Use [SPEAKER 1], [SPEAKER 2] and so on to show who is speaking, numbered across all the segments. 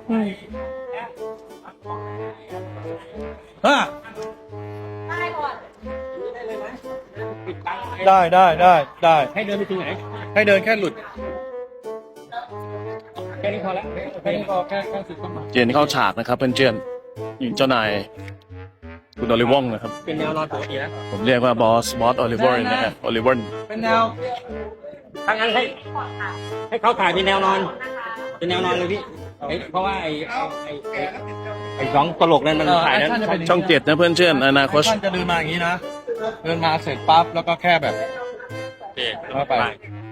[SPEAKER 1] อ่ะ
[SPEAKER 2] ได้ก่อน
[SPEAKER 1] ได้
[SPEAKER 3] ให้เดินไปตรงไหน
[SPEAKER 1] ให้เดินแค่หลุด
[SPEAKER 3] แค่นี้พอแล้ว
[SPEAKER 1] แค่นี้พอแค่สุดเข้ามา
[SPEAKER 4] เจนเข้าฉากนะครับเพื่อนเจนเจ้านายคุณโอลิวองนะครับ
[SPEAKER 3] เป็นแนวนอนปกตินะ
[SPEAKER 4] ผมเรียกว่าบอสโอลิเวอร์นะครับโอลิเวอร์
[SPEAKER 1] เป็นแนว
[SPEAKER 3] ถ้างั้นให้เขาถ่ายเป็นแนวนอน เป็นแนวนอนเลยพี่เพราะว่าไอ้สองตลกนั้นมันถ่ายนั้น
[SPEAKER 4] ช่อง7นะเพื่อนเจนอนาคต
[SPEAKER 1] ท่านจะเดินมาอย่างนี้นะเดินมาเสร็จปั๊บแล้วก็แค่แบบแล้วไป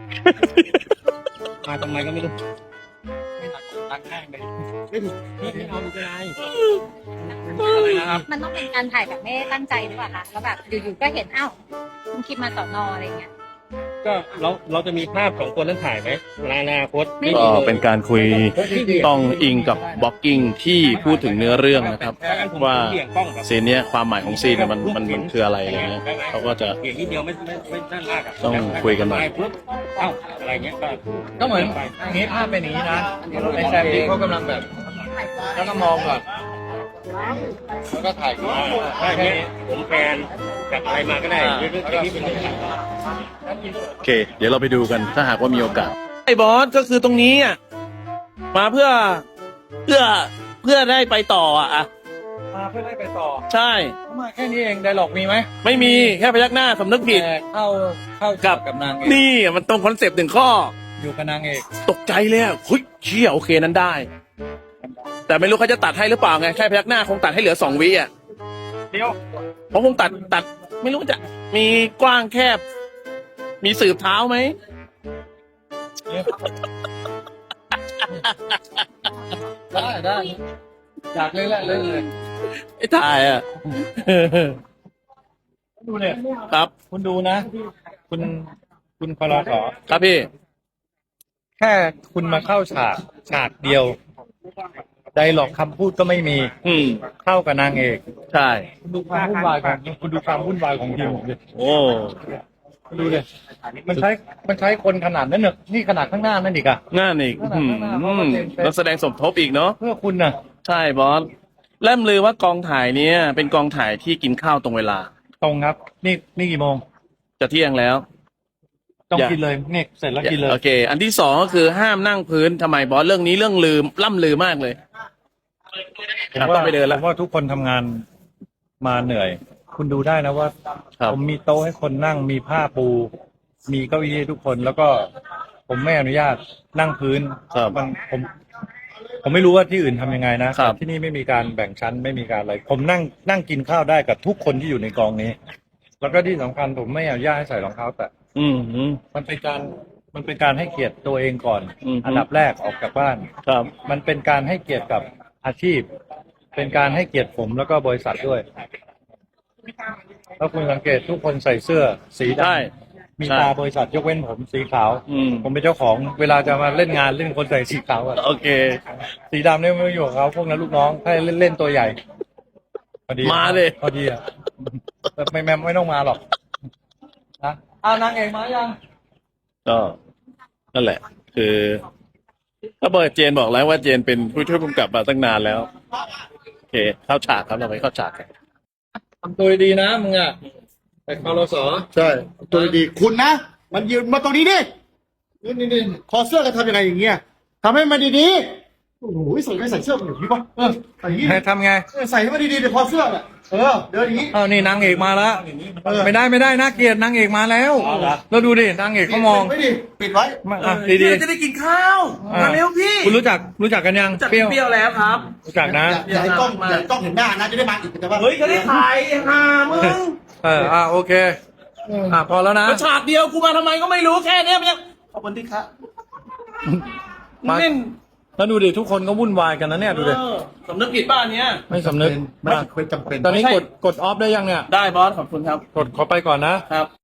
[SPEAKER 3] มาทำไมก็ไม่รู้
[SPEAKER 1] ตั้งแห้งเลย
[SPEAKER 3] ไม่เอาดูก็ได้
[SPEAKER 1] นะครับ
[SPEAKER 2] มันต้องเป็นการถ่ายแบบไม่ได้ตั้งใจหรือเปล่าคะแล้วแบบอยู่ๆก็เห็นอ้าวคุณคิดมาสอนออะไรเงี้ย
[SPEAKER 3] ก็เราจะมีภาพของคนนั้นถ่ายไหมในอนาคต
[SPEAKER 4] ก็เป็นการคุยต้องอิงกับบล็อกกิ้งที่พูดถึงเนื้อเรื่องนะครับ ว่าซีนเนี้ยความหมายของซีนเนี่ยมันคืออะไรอะไรเงี้ยเขาก็จะ
[SPEAKER 3] เปลี่ยนนิดเดียวไม่ด้านลากอะ
[SPEAKER 4] ต้องคุยกันหน่อย
[SPEAKER 3] ปุ๊บเอ้าอะไรเงี้ยก็
[SPEAKER 1] ก็เหมือนอย่างนี้ภาพเป็นอย่างนี้นะในแซมดี้เขากำลังแบบแล้วก็มองก่อนแล้วก็ถ่ายขึ้นมา
[SPEAKER 3] ถ้าอย่างเงี้ยผมแฟนจากอะไรมาก็ได้เรื่องนี้เป็นเรื่อง
[SPEAKER 4] โอเค เดี๋ยวเราไปดูกันถ้าหากว่ามีโอกาสไอ้บอสก็คือตรงนี้อ่ะมาเพื่อได้ไปต่ออ่ะ
[SPEAKER 1] มาเพื่อได้ไปต่อ
[SPEAKER 4] ใช่
[SPEAKER 1] มาแค่นี้เองไดร็อกมีไหม
[SPEAKER 4] ไม่มีแค่พยักหน้าสำนึกผิด
[SPEAKER 1] แต่เข้ากับนางเอก
[SPEAKER 4] นี่มันตรงคอนเซปต์หนึ่งข้อ
[SPEAKER 1] อยู่กับนางเอก
[SPEAKER 4] ตกใจเลยอ่ะเฮ้ยเชี่ยโอเคนั้นได้ แต่ไม่รู้เขาจะตัดให้หรือเปล่าไงแค่พยักหน้าคงตัดให้เหลือ2 วิอ่ะ
[SPEAKER 1] เดี๋ยว
[SPEAKER 4] เขาคงตัดไม่รู้จะมีกว้างแคบ มีสืบเท้าไหม
[SPEAKER 1] ได้อยากเลยแหละเลย
[SPEAKER 4] ไอ้ถ่ายอ่ะ
[SPEAKER 1] ดูเนี่ย
[SPEAKER 4] ครับ
[SPEAKER 1] คุณดูนะ คุณพลส
[SPEAKER 4] ครับพี่
[SPEAKER 1] แค่คุณมาเข้าฉากเดียวไดร็อกคำพูดก็ไม่มี
[SPEAKER 4] อืม
[SPEAKER 1] เข้ากับนางเอก
[SPEAKER 4] ใช่
[SPEAKER 1] คุณดูความวุ่นวายของคุณดูความวุ่นวายของทีมผมดิ
[SPEAKER 4] โอ้
[SPEAKER 1] ดูดิมันใช้คนขนาดนั้นเนี่ยนี่ขนาดข้างหน้านั่นอีกอะ
[SPEAKER 4] งานอีกนักแสดงสมทบอีกเนาะ
[SPEAKER 1] เพื่อคุณน่ะ
[SPEAKER 4] ใช่บอสแล่มลือว่ากองถ่ายเนี้ยเป็นกองถ่ายที่กินข้าวตรงเวลา
[SPEAKER 1] ตรงครับ นี่กี่โมง
[SPEAKER 4] จะเที่ยงแล้ว
[SPEAKER 1] ต้องกินเลยนี่เสร็จแล้วกินเลย
[SPEAKER 4] โอเค อันที่2ก็คือห้ามนั่งพื้นทำไมบอสเรื่องนี้เรื่องลืมล่ำลือมากเลย
[SPEAKER 1] ผมว่า
[SPEAKER 4] ต้องไปเดินแล้ว
[SPEAKER 1] ผมว่าทุกคนทำงานมาเหนื่อย คุณดูได้นะว่า
[SPEAKER 4] ครับ
[SPEAKER 1] ผมมีโต๊ะให้คนนั่งมีผ้าปู มีเก้าอี้ให้ทุกคนแล้วก็ผมไม่อนุญาตนั่งพื้น
[SPEAKER 4] ครับ
[SPEAKER 1] ผมไม่รู้ว่าที่อื่นทำยังไงนะครับ แต่ที่นี่ไม่มีการแบ่งชั้นไม่มีการอะไร ผมนั่งกินข้าวได้กับทุกคนที่อยู่ในกองนี้ แล้วก็ที่สำคัญผมไม่อนุญาตให้ใส่รองเท้าแตะ
[SPEAKER 4] อืม
[SPEAKER 1] มันเป็นการให้เกียรติตัวเองก่อน
[SPEAKER 4] อืม
[SPEAKER 1] อันดับแรกออกจากบ้าน
[SPEAKER 4] ครับ
[SPEAKER 1] มันเป็นการให้เกียรติกับอาชีพ เป็นการให้เกียรติผมแล้วก็บริษัทด้วยแล้วคุณสังเกตทุกคนใส่เสื้อสีด
[SPEAKER 4] ใช่
[SPEAKER 1] ำมีตาบริษัทยกเว้นผมสีขาว
[SPEAKER 4] อืม
[SPEAKER 1] ผมเป็นเจ้าของเวลาจะมาเล่นงานเล่นคนใส่สีขาวอะ
[SPEAKER 4] โอเค
[SPEAKER 1] สีดำเนี่ยไม่อยู่กับเขาพวกนั้นลูกน้องให้เล่นตัวใหญ่พอดี
[SPEAKER 4] มาเลย
[SPEAKER 1] พอดีอะแต่ไม่ต้องมาหรอกนะนางเอกมายัง
[SPEAKER 4] ก็นั่นแหละ คือถ้าเบิร์ดเจนบอกแล้วว่าเจนเป็นผู้ช่วยผู้กำกับมาตั้งนานแล้ว โอเค เข้าฉากครับเราไปเข้าฉากกัน
[SPEAKER 1] ทำตัวดีนะมึงอะแต่คอรส
[SPEAKER 5] ใช่ตัวดีๆคุณนะ มันยืนมาตรงนี้ดินี่คอเสื้อกันทำยังไงอย่างเงี้ยทำให้มันดีๆโอ้โหใส่ไม่ใส่เสื้อมันอย่างนี้ปะใส่อย่างนี้
[SPEAKER 1] ให้ทำไง
[SPEAKER 5] ใส่ให้มันดีๆเดี๋ยวคอเสื้อน่ะเดินอย่างนี้
[SPEAKER 1] อ้าวนี่นางเอกมาแล้ว ไม่ได้น่าเกลียดนางเอกมาแล้วแล้วดูดินางเอกเขามอง
[SPEAKER 5] ปิดไว้ดิปิดไว้
[SPEAKER 1] ดี
[SPEAKER 4] จะได้กินข้าว
[SPEAKER 1] ๆมาเร็วพี่คุณรู้จักกันยัง
[SPEAKER 4] จากเปรี้ยวแล้วครับ
[SPEAKER 1] รู้จักนะ
[SPEAKER 5] อย่าให้กล้องเห็นหน้านะจะได้มาอีกแต่ว่า
[SPEAKER 4] เฮ้ยเขาได้ถ่ายหามึง
[SPEAKER 1] โอเคพอแล้วนะ
[SPEAKER 4] มาฉากเดียวกูมาทำไมก็ไม่รู้แค่เนี้ยมันยังขอบคุณที่ครับ
[SPEAKER 1] มา
[SPEAKER 4] เล่น
[SPEAKER 1] แล้วดูดิทุกคนก็วุ่นวายกันนะเนี่ยดูดิ
[SPEAKER 4] สำนึกผิดบ้านเนี้ย
[SPEAKER 1] ไม่สำนึก
[SPEAKER 5] ไม่เคยจำเป็น
[SPEAKER 1] ตอนนี้กดออฟได้ยังเนี่ย
[SPEAKER 4] ได้บอสขอบคุณครับ
[SPEAKER 1] กดขอไปก่อนนะ
[SPEAKER 4] ครับ